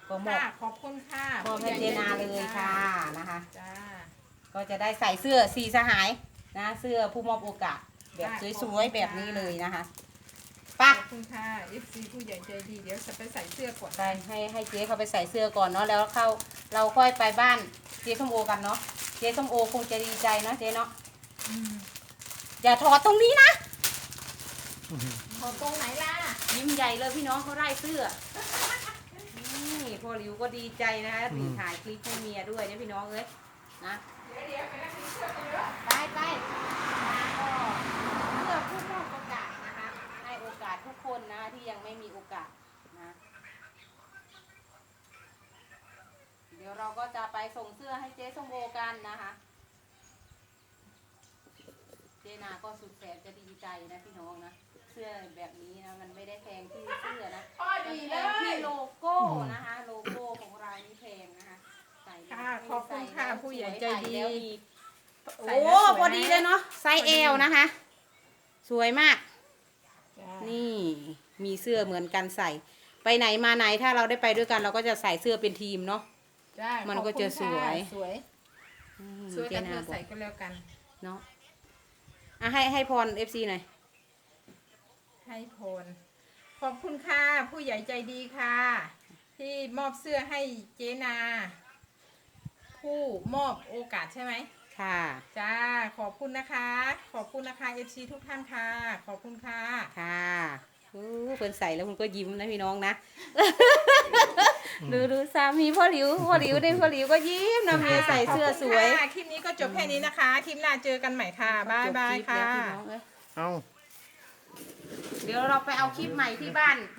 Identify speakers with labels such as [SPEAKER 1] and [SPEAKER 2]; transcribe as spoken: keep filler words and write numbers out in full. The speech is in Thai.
[SPEAKER 1] ก็มอบ
[SPEAKER 2] ขอบคุณค่ะ
[SPEAKER 1] มอบให้เจนาเลยค่ะนะคะ
[SPEAKER 2] จ้า
[SPEAKER 1] ก็จะได้ใส่เสื้อสีสหายนะเสื้อผู้มอบโอกาสแบบสวยๆแบบนี้เลยนะคะ
[SPEAKER 2] ข
[SPEAKER 1] ปัก
[SPEAKER 2] อบคุณค่ะ เอฟ ซี ผู้ใหญ่ใจดีเดี๋ยวจะไปใส่เสื้อก่อน
[SPEAKER 1] ไปให้ให้เจ๊เขาไปใส่เสื้อก่อนเนาะแล้วเข้าเราค่อยไปบ้านเจ๊ส้มโอกันเนาะเจ๊ส้มโอคงจะดีใจเนาะเจ๊เนาะ
[SPEAKER 2] อืม
[SPEAKER 1] อย่าถอดตรงนี้นะ
[SPEAKER 2] ขอตรงไหนล่ะ
[SPEAKER 1] ยิ้มใหญ่เลยพี่น้องเขาไล่เสื้อนี่พ่อหลิวก็ดีใจนะคะถึงถ่ายคลิปให้เมียด้วยเนี่ยพี่น้องเอ้ยนะ
[SPEAKER 2] เดี๋ยวเดี๋ยวไปนั่งกินเสื้อกันเยอะ
[SPEAKER 1] ไปไปนะก็เพื่อผู้มอบโอกาสนะคะให้โอกาสทุกคนนะที่ยังไม่มีโอกาสนะเดี๋ยวเราก็จะไปส่งเสื้อให้เจ๊ส้มโอกันนะคะเจนาก็สุดแสนจะดีใจนะพี่น้องนะเสื้อแบบนี้นะมันไม่ได้แพงที่เสื้อนะ
[SPEAKER 2] พอดีเล
[SPEAKER 1] แพงที่
[SPEAKER 2] ย
[SPEAKER 1] โลโก้นะคะโลโก้ของเรานี่แพงนะคะใส่แล้ว
[SPEAKER 2] ค่ะขอบคุณค่ะ
[SPEAKER 1] ใส่แล้ว
[SPEAKER 2] ผู้ใหญ่ใจดี
[SPEAKER 1] สวยใส่แล้วมี
[SPEAKER 2] ใส่
[SPEAKER 1] โอ้
[SPEAKER 2] แล้วสวย
[SPEAKER 1] พอดีเลยเนาะไซส์
[SPEAKER 2] พอดี
[SPEAKER 1] เอลนะคะ สวยมาก
[SPEAKER 2] จ้า
[SPEAKER 1] นี่มีเสื้อเหมือนกันใส่ ไปไหนมาไหนถ้าเราได้ไปด้วยกันเราก็จะใส่เสื้อเป็นทีมเนาะ
[SPEAKER 2] จ้า
[SPEAKER 1] มันก็จะสวย
[SPEAKER 2] ขอบคุณค่ะสวย
[SPEAKER 1] อืม
[SPEAKER 2] สวยกัน
[SPEAKER 1] จ
[SPEAKER 2] เธ
[SPEAKER 1] นา
[SPEAKER 2] อบ
[SPEAKER 1] อ
[SPEAKER 2] ใส่
[SPEAKER 1] ก
[SPEAKER 2] ก็แล้วกัน
[SPEAKER 1] เนาะอ่ะให้ให้พรเอฟซีหน่อย
[SPEAKER 2] ให้พลขอบคุณค่ะ ผู้ใหญ่ใจดีค่ะ ที่มอบเสื้อให้เจนา ผู้มอบโอกาสใช่ไหม
[SPEAKER 1] ค่ะ
[SPEAKER 2] จ้า ขอบคุณนะคะ ขอบคุณนะคะเอฟซีทุกท่านค่ะ ขอบคุณค่ะ
[SPEAKER 1] ค่ะอู้เพิ่นใส่แล้วคุณก็ยิ้มนะพี่น้องนะ ดูดูสามีพ่อหลิวพ่อหลิวได้พ่อหลิวก็ยิ้มนะเมียใส่เสื้อสวย
[SPEAKER 2] ขอบคุณค่ะคลิปนี้ก็จบแค่นี้นะคะ คลิปหน้าเจอกันใหม่ค่ะ บ๊ายบาย
[SPEAKER 1] จบลิป
[SPEAKER 2] ค่ะ
[SPEAKER 1] แล้วพี่น้องเอ้ย
[SPEAKER 3] เอา
[SPEAKER 1] เดี๋ยวเราไปเอาคลิปใหม่ที่บ้าน